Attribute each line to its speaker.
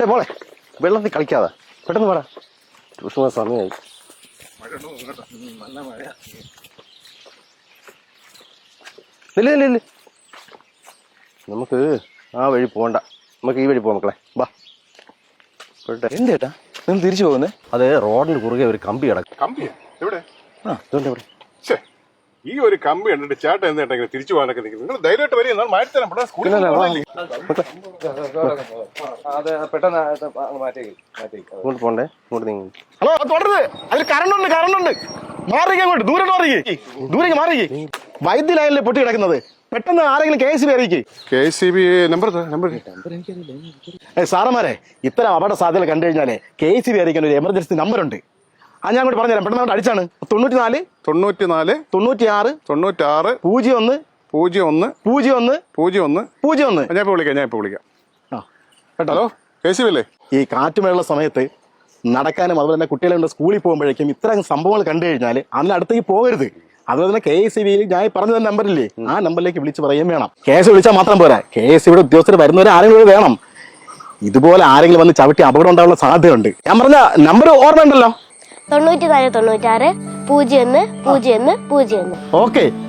Speaker 1: മോളെ വെള്ളത്തിൽ കളിക്കാതെ പെട്ടെന്ന് പാടാ ട്യൂഷൻ സമയമായി. ഇല്ല ഇല്ല ഇല്ല നമുക്ക് ആ വഴി പോകണ്ട, നമുക്ക് ഈ വഴി പോവാം മക്കളെ. ബാ
Speaker 2: എന്തേട്ടാ നിങ്ങൾ തിരിച്ചു പോകുന്നേ?
Speaker 1: അത് റോഡിന് കുറുകെ ഒരു കമ്പി കിടക്കും.
Speaker 3: കമ്പിയാ എവിടെ?
Speaker 1: ഇതുകൊണ്ട് ഇവിടെ
Speaker 3: ഈ ഒരു കമ്പി കണ്ടിട്ട് ചേട്ടൻ എന്താ തിരിച്ചു പോകാനൊക്കെ നിൽക്കുന്നത്? നിങ്ങൾ ധൈര്യമായിട്ട് വരിക, എന്നാൽ മാറ്റിത്തരാം.
Speaker 1: ഇങ്ങോട്ട് പോണ്ടേ, ഇങ്ങോട്ട് നീങ്ങി.
Speaker 2: ഹലോ തുടരുത്, അതിൽ കറണ്ടുണ്ട് കറണ്ടുണ്ട്. മാറിക്ക് അങ്ങോട്ട്, ദൂരം ദൂരേക്ക് മാറിക്ക്. വൈദ്യ ലൈനിലെ പൊട്ടി കിടക്കുന്നത്, പെട്ടെന്ന് ആരെങ്കിലും KSB അറിയിക്കേ.
Speaker 3: KSB നമ്പർ
Speaker 2: സാറന്മാരെ, ഇത്തരം അപകട സാധ്യത കണ്ടു കഴിഞ്ഞാലേ KSB അറിയിക്കാൻ ഒരു എമർജൻസി നമ്പർ ഉണ്ട്. അത് ഞാൻ അങ്ങോട്ട് പറഞ്ഞുതരാം. പെട്ടെന്ന് അങ്ങോട്ട് അടിച്ചാണ് 94
Speaker 3: 96
Speaker 2: 96 01
Speaker 3: 01
Speaker 2: 01 01.
Speaker 3: ഞാൻ ഇപ്പൊ വിളിക്കാം. ഹലോ KSB അല്ലേ?
Speaker 2: ഈ കാറ്റുമഴയുള്ള സമയത്ത് നടക്കാനും അതുപോലെ തന്നെ കുട്ടികളുടെ സ്കൂളിൽ പോകുമ്പോഴേക്കും ഇത്തരം സംഭവങ്ങൾ കണ്ടു കഴിഞ്ഞാൽ അതിന് അടുത്തേക്ക് പോകരുത്. അതുപോലെ തന്നെ KSBയിൽ ഞാൻ പറഞ്ഞു തന്ന നമ്പറില്ലേ, ആ നമ്പറിലേക്ക് വിളിച്ച് പറയുകയും വേണം. കേസ് വിളിച്ചാൽ മാത്രം പോരാ, KSBയുടെ ഉദ്യോഗസ്ഥർ വരുന്നവരെ ആരെങ്കിലും വേണം. ഇതുപോലെ ആരെങ്കിലും വന്ന് ചവിട്ടി അപകടം ഉണ്ടാകാനുള്ള സാധ്യതയുണ്ട്. ഞാൻ പറഞ്ഞ നമ്പർ ഓർമ്മ ഉണ്ടല്ലോ,
Speaker 4: 94 96 01 01 01.
Speaker 2: ഓക്കെ.